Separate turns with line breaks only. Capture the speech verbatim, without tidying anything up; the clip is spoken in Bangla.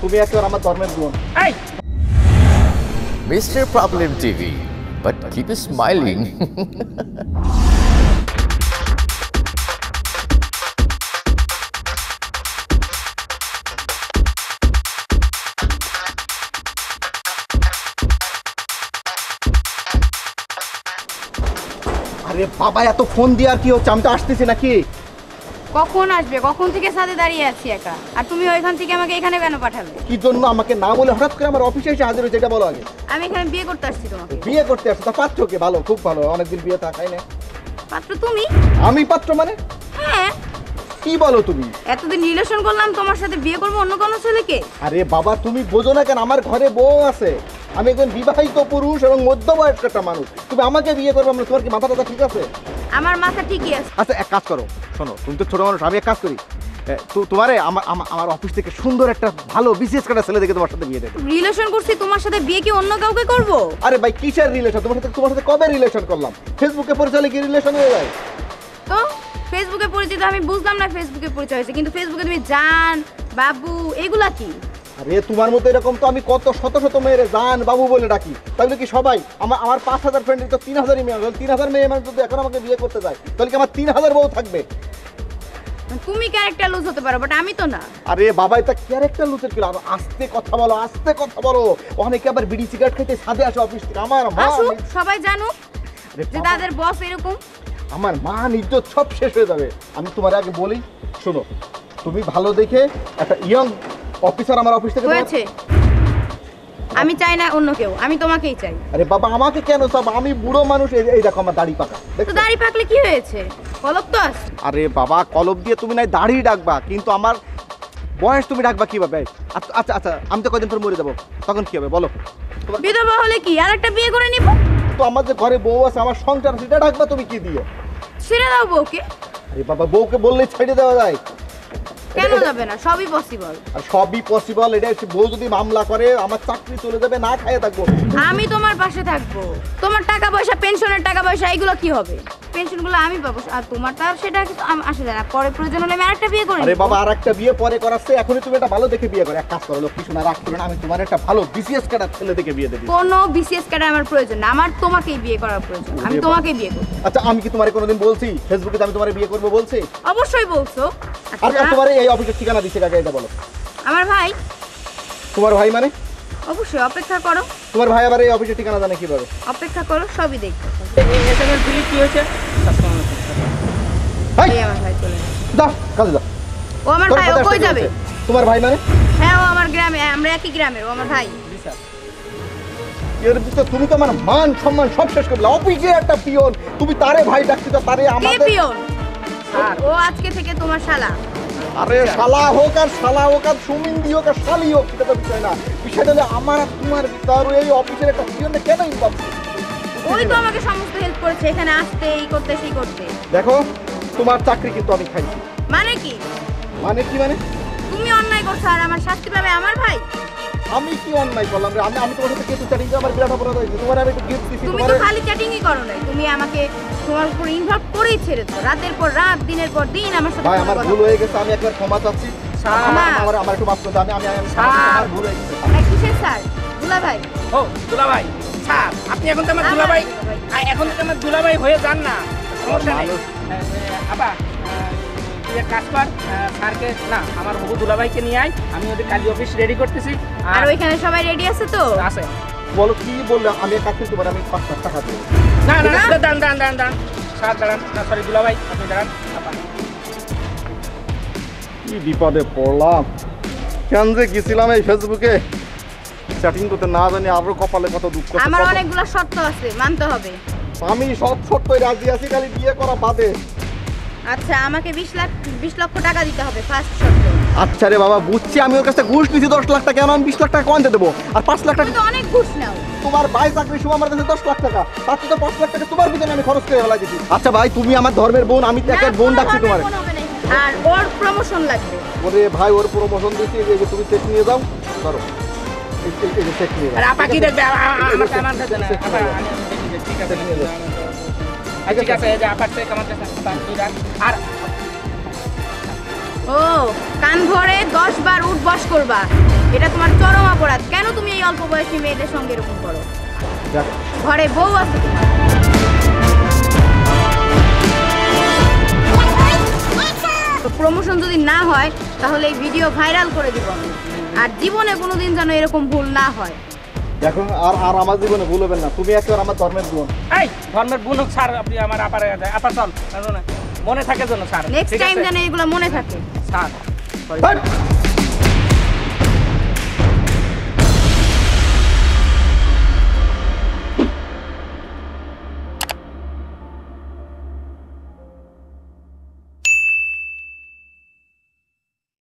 তুমি একবার আমার ধর্মের বোন।
এই
mister problem TV, but keep smiling.
আরে বাবা এত ফোন দিয়ে আর কি হচ্ছে, আমি তো আসতেছি নাকি।
কখন আসবে? কখন থেকে সাথে দাঁড়িয়ে আছি একা, আর তুমি ওইখান থেকে আমাকে এখানে কেন পাঠালে?
কি জন্য আমাকে না বলে হঠাৎ করে আমার অফিসে এসে হাজির হয়েছে এটা বলো আগে।
আমি এখানে বিয়ে করতে আসছি তোমাকে।
বিয়ে করতে আসছো? তা পাত্র কে? ভালো, খুব ভালো, অনেকদিন বিয়ে থাকাই না।
পাত্র তুমি?
আমি পাত্র মানে?
হ্যাঁ।
কি বলো তুমি?
এতদিন রিলেশন করলাম, তোমার সাথে বিয়ে করবো অন্য কোনো ছেলেকে?
আরে বাবা তুমি বোঝো না কেন, আমার ঘরে বউ আছে, আমি একজন বিবাহিত পুরুষ এবং মধ্যবয়স্ক একটা মানুষ, তুমি আমাকে বিয়ে করবে মানে তোমার কি মাথা টাথা ঠিক আছে?
আমার মাথা ঠিকই আছে।
আচ্ছা এক কাজ করো, শোনো তুমি তো ছোট মানুষ, আমি এক কাজ করি, তোমারে আমার আমার অফিস থেকে সুন্দর একটা ভালো বিসিএস কাটা ছেলে দেখে তোমার সাথে বিয়ে দেবো।
রিলেশন করছি, তোমার সাথে বিয়ে কি অন্য কাউকে করব?
আরে ভাই কিসের রিলেশন? তোমার সাথে তোমার সাথে কবে রিলেশন করলাম? ফেসবুকে পরিচয় কি রিলেশন হয়ে যায়?
তো ফেসবুকে পরিচিত আমি বুঝলাম না, ফেসবুকে পরিচয় হয়েছে, কিন্তু ফেসবুকে তুমি জান বাবু এগুলা কি?
আরে তোমার মতো এরকম তো আমি কত শত শত মেয়ের জান বাবু বলে ডাকি, তাহলে কি সবাই আমার আমার পাঁচ হাজার ফ্রেন্ডের তো তিন হাজারই মেয়ে, তিন হাজার মেয়ে মানে যদি এখন আমাকে বিয়ে করতে যায় তাহলে কি আমার তিন হাজার বউ থাকবে?
তুমি ক্যারেক্টার লুজ হতে পারো, বাট আমি তো না।
আরে বাবা এটা ক্যারেক্টার লুজের কি? আর আস্তে কথা বলো, আস্তে কথা বলো, অনেকে আবার বিড়ি সিগারেট খেতে সাথে আসে অফিস থেকে। আমার মা
সবাই জানুক যে তাদের বস এরকম।
আমার মা ইজ্জত সব শেষ হয়ে যাবে। আমি তোমার আগে বলি, শোনো তুমি ভালো দেখে একটা ইয়ং অফিসার আমার অফিস থেকে
হয়েছে। আমি চাই না অন্য কেউ, আমি তোমাকেই চাই।
আরে বাবা আমাকে কেন চাও? আমি বুড়ো মানুষ, এই দেখো আমার দাড়ি পাকা।
তো দাড়ি পাকলে কি হয়েছে? কলপ তো আছে।
আরে বাবা কলপ দিয়ে তুমি নাই দাড়ি ডাকবা, কিন্তু আমার বয়স তুমি ডাকবা কিভাবে? আচ্ছা আচ্ছা আমি তো কয়দিন পর মরে যাবো, তখন কি হবে বলো?
বিধবা হলে কি আর একটা বিয়ে করে নিব?
তো আমার যে ঘরে বউ আছে, আমার সংসার, সেটা ডাকবা তুমি কি দিয়ে?
ছেড়ে দাও বউকে।
আরে বাবা বউকে বললেই ছেড়ে দেওয়া যায়?
কেন যাবে না? সবই পসিবল।
আর সবই পসিবল, এটা বউ যদি মামলা করে আমার চাকরি চলে যাবে, না খাইয়ে থাকবো।
আমি তোমার পাশে থাকবো। তোমার টাকা পয়সা, পেনশনের টাকা পয়সা এগুলো কি হবে? পেনশনগুলো আমি পাবো, আর তোমারটা সেটা কিন্তু আসে যায় না। পরে প্রয়োজন হলে আমি আরেকটা বিয়ে করি।
আরে বাবা আরেকটা বিয়ে পরে করাচ্ছে, এখনই তুমি একটা ভালো দেখে বিয়ে করো। এক কাজ করো, লক্ষ্মী শোনা রাগ করো না, আমি তোমার একটা ভালো বিসিএস ক্যাডার ছেলে দেখে বিয়ে দেবো।
কোনো বিসিএস ক্যাডার আমার প্রয়োজন না, আমার তোমাকেই বিয়ে করার প্রয়োজন। আমি তোমাকেই বিয়ে করব।
আচ্ছা আমি কি তোমারে কোনোদিন বলছি ফেসবুকে আমি তোমারে বিয়ে করবো বলছি?
অবশ্যই বলছো।
আর তোমার এই অফিসের ঠিকানা দিছে কাকে এটা বলো?
আমার ভাই।
তোমার ভাই মানে?
অবশ্যই অপেক্ষা করো।
তোমার ভাই আবার এই অফিসের ঠিকানা জানে কিভাবে?
অপেক্ষা করো, সবই দেখবো।
এসএমএস দিলি কি হয়েছে?
এই আমার ভাই চলে
দাও কাজে দাও।
ও আমার ভাই, ও কই যাবে?
তোমার ভাই মানে?
হ্যাঁ ও আমার গ্রামে, আমরা একই গ্রামের, ও আমার ভাই।
এর ভিতরে তুমি তো আমার মান সম্মান সব শেষ করলে। অফিসে একটা পিয়ন, তুমি তারে ভাই ডাকতে তো তারে আমাদের
কে পিয়ন? ও আজকে থেকে তোমার শালা।
আরে শালা হোক আর শালা হোক আর সুমিন্দি হোক আর শালি হোক, সেটা তো বিষয় না। বিষয়টা হলো আমার আর তোমার ভিতর এই অফিসের একটা পিয়নে কেন ইনভলভ?
ওই তো আমাকে সমস্ত হেল্প করেছে, এখানে আসতে, এই করতে, সেই করতে।
দেখো তোমার চাকরি কিন্তু আমি খাইছি।
মানে কি?
মানে কি মানে?
তুমি অন্যায় করছো আর আমার শাস্তি পাবে আমার ভাই।
আমি কি অন্যায় করলাম রে? আমি আমি তোমার সাথে কিছু চ্যাটিং করে আমার বিরাট অপরাধ হয়েছে। তোমার আমি একটু গিফট দিছি।
তুমি তো খালি চ্যাটিংই করো না, তুমি আমাকে তোমার উপর ইনভলভ করেই ছেড়েছো। রাতের পর রাত, দিনের পর দিন আমার সাথে।
ভাই আমার ভুল হয়ে গেছে, আমি একবার ক্ষমা চাচ্ছি। আমার আমার একটু মাফ করে দাও। আমি আমি আমার ভুল হয়ে গেছে।
এই কিসের স্যার? দুলা ভাই।
ও দুলা ভাই স্যার, আপনি এখন তো আমার দুলা ভাই, এখন তো আমার দুলা ভাই হয়ে যান না, সমস্যা নেই। আপা তুই এক কাজ কর, স্যারকে না আমার হবু দুলা ভাইকে নিয়ে আয়, আমি ওদের কালি অফিস রেডি করতেছি।
আর ওইখানে সবাই রেডি আছে তো?
আছে।
বলো কি বললে? আমি এক কাজ করতে পারি, আমি পাঁচ লাখ টাকা দেবো।
না না না দাঁড়ান দাঁড়ান দাঁড়ান দাঁড়ান স্যার দাঁড়ান, না সরি দুলা ভাই আপনি দাঁড়ান।
কি বিপদে পড়লাম, কেন যে গেছিলাম এই ফেসবুকে চ্যাটিং করতে, না জানি আরো কপালে কত দুঃখ।
আমার অনেকগুলো শর্ত আছে, মানতে হবে।
আমি সব শর্তই রাজি আছি, খালি বিয়ে করা বাদে।
আচ্ছা আমাকে বিশ লাখ বিশ লক্ষ টাকা দিতে হবে ফার্স্ট শর্ত।
আচ্ছা রে বাবা বুঝছি, আমি ওর কাছে ঘুষ নিয়েছি দশ লাখ টাকা, কেন আমি বিশ লাখ টাকা কোয়ান্তে দেবো? আর পাঁচ লাখ টাকা
তুমি তো অনেক ঘুষ নাও।
তোমার ভাই চাকরি সময় আমার কাছে দশ লাখ টাকা, তার তো পাঁচ লাখ টাকা তোমার পিছনে আমি খরচ করে ফেলা দিচ্ছি। আচ্ছা ভাই তুমি আমার ধর্মের বোন, আমি একের বোন ডাকছি তোমার।
আর ওর প্রমোশন লাগবে।
ওরে ভাই ওর প্রমোশন দিচ্ছি, এই যে তুমি চেক নিয়ে যাও, ধরো এই যে চেক নিয়ে যাও।
আর আপা কি দেখবে? আমাকে আমার কাছে না, আপা আমি দেখি, ঠিক আছে ঠিক আছে, এই যে আপার চেক আমার কাছে আর
ও কান ভরে দশ বার উঠ বস করবা। এটা তোমার চরম অপরাধ। কেন তুমি এই অল্প বয়সী মেয়েদের সঙ্গে এরকম করো?
দেখ,
ঘরে বউ আছে তোমার। প্রমোশন যদি না হয় তাহলে এই ভিডিও ভাইরাল করে দিব আমি। আর জীবনে কোনোদিন যেন এরকম ভুল না হয়।
দেখো আর আর আমার জীবনে ভুল হবেন না, তুমি একেবারে আমার ধর্মের বোন।
এই ধর্মের বোন হোক স্যার, আপনি আমার আপার আপা চল মনে থাকে যেন স্যার।
নেক্সট টাইম যেন এগুলো মনে থাকে।
স্যার
হাট!